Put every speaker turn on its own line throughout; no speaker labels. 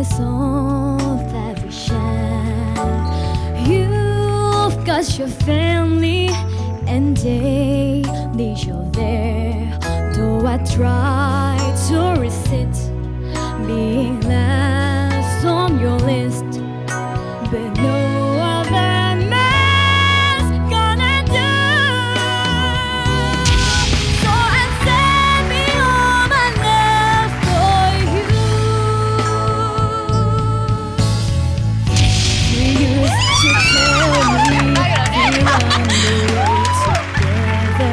is all that we share. You've got your family and daily you're there. Though I try to resist being last on your list, but no other man's gonna do. So I'm saving all my love for you. We used to tell me we're on the way together.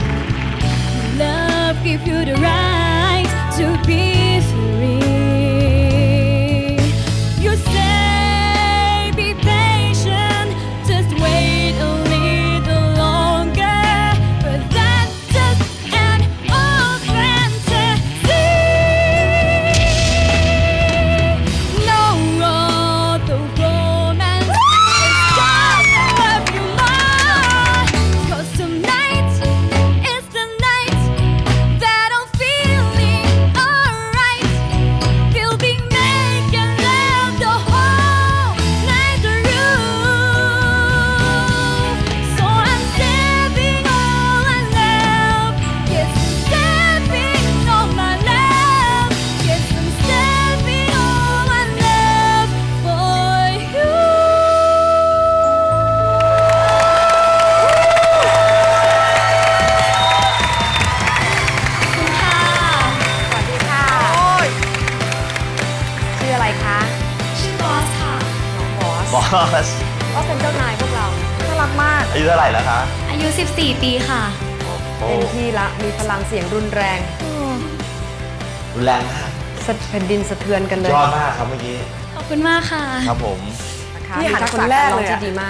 Love give you the right to be free. You say be patient, just wait a little longer, but that's just an old fantasy. No other romance is gonna love you more, 'cause tonight is the night that I'm feeling alright. We'll be making love the whole night through. So I'm saving all I love. Yes, I'm saving all my love. Yes, I'm saving all I love for you.
สวัสดีค่ะชื่ออะไรคะ
ชื่อบอสค่ะ
น้องบอส
บอส
ก็เป็นเจ้านายพวกเราน่ารักมาก
อายุเท่าไหร่แล้วคะ
อายุ 14 ปีค่ะ
โอ้
เต็มที่ละมีพลังเสียงรุนแรง
รุนแรงมาก
แผ่นดินสะเทือนกันเลย
ยอดมากครับเมื่อกี้
ขอบคุณมากค่ะ
ครับผม
นะคะ
นี่หัน
มีทัก
คน
ษะ
แร
การ
ก
ร้อง
เลยอะ
ที่ดีมาก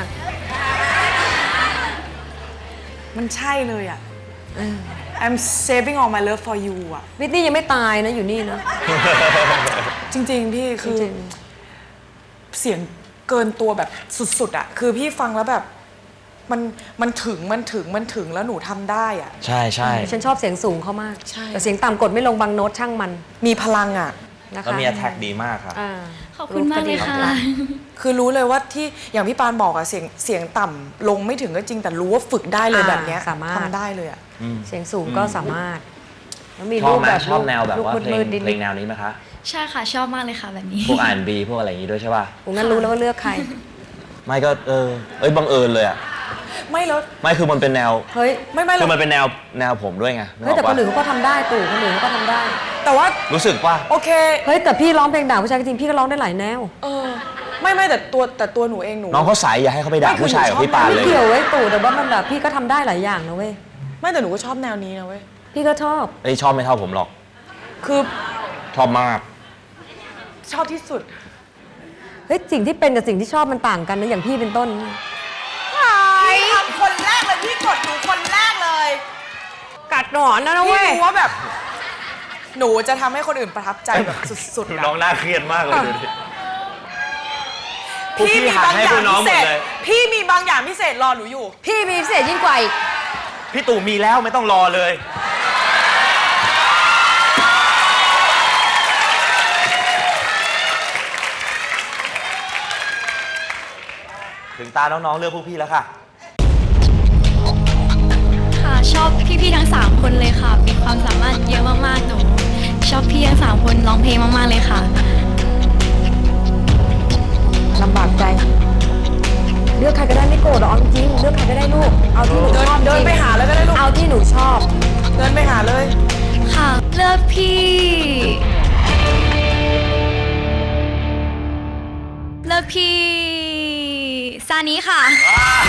มันใช่เลยอ่ะ I'm saving all my love for you อ่ะ
วิทนี่ยังไม่ตายนะอยู่นี่นะ
จริงๆ พี่คือ
จริง
เสียงเกินตัวแบบสุดๆอ่ะ คือพี่ฟังแล้วแบบมันถึงแล้วหนูทำได้อ่ะ
ใช่ใช่
ฉันชอบเสียงสูงเขามาก
ใช่
แต่เสียงต่ำกดไม่ลงบางโน้ตช่างมัน
มีพลังอ่ะ
นะคะ
แล้วมี attack ดีมากครับ
อ่า
ขอบคุณมากเลยค่ะ
คือรู้เลยว่าที่อย่างพี่ปานบอกอะเสียงต่ำลงไม่ถึงก็จริงแต่รู้ว่าฝึกได้เลยแบบเนี้ย
สามารถ
ทำได้เลยอะ
เสียงสูงก็สามารถ แล้วมี
ชอ
รู
บ
ป
ไหม
แบบ
ชอบแนวแบบว่า
ลูก
เพลง
มืดๆนิด
เพลงแนวนี้ไหมคะ
ใช่ค่ะ ชอบมากเลยค่ะแบบนี้
พวก R&B พวกอะไรอย่างนี้ด้วยใช่ป่ะ
ๆผมงั้นรู้แล้วว่าเลือกใคร
ไม่ก็บังเอิญเลยอ่ะ
ไม่แล้ว
ไม่คือมันเป็นแนว
เฮ้ย
ไม่
คือ
แล้ว
มันเป็นแนวผมด้วยไงนึก
เฮ้ย
อ
แต่
อก
ค
ปะ
นอื่นเขาก็ทำได้ตู่คนอื่นเขาก็ทำได้
แต่ว่า
รู้สึกป่ะ
โอเค
เฮ้ยแต่พี่ร้องเพลงด่าผู้ชายจริงๆพี่ก็ร้องได้หลายแนว
ไม่แต่ตัวหนูเองหนู
น้องเขาใสอย่าให้เขาไปด่า
ไม่คือ
ผู้ชายกับพี่ปาน
หนูชอบ
เลย
ไม่เกี่ยวเว้ยตู่แต่ว่ามันแบบพี่ก็ทำได้หลายอย่างนะเว้ย
ไม่แต่หนูก็ชอบแนวนี้นะเว้ย
พี่ก็ชอบ
ไอ้ยชอบไม่เท่าผมหรอก
คือ
ชอบมาก
ชอบที่สุด
เฮ้ยสิ่งที่เป็นกับสิ่งที่ชอบมันต่างกันนะอย่างพี่เป็นต้น
พี่ทำคนแรกเลยพี่กดหนูคนแรกเลย
กัดหนอนนะ
พี่
เว้ย
รู้ว่าแบบ หนูจะทำให้คนอื่นประทับใจแบบสุดๆ
น้อ
อะ
งน่าเครียดมากเลยดูดิ
พี่มีบางอย่าง
ให้พวกน้อง
พิ
หม
เศ
ด
ษ
เลย
พี่มีบางอย่างพิเศษรอหนูอยู่
พี่มีพิเศษยิ่งกว่าอีก
พี่ตู่มีแล้วไม่ต้องรอเลย ถึงตาน้องๆเลือกพวกพี่แล้วค่ะ
ค่ะชอบพี่ๆทั้ง 3 คนเลยค่ะ มีความสามารถเยอะมากๆหนูชอบพี่ทั้ง 3 คนร้องเพลงมากๆเลยค่ะ
ลำบากใจ เลือกใครก็ได้ไม่โกรธหรอกเอาจริงๆเลือกใครก็ได้ลูก เอาที่หนูชอบ
เดินไปหาเลยก็ได้ลูก
เอาที่หนูชอบ
เดินไปหาเลย
ค่ะ เลือกพี่ซานิค่ะ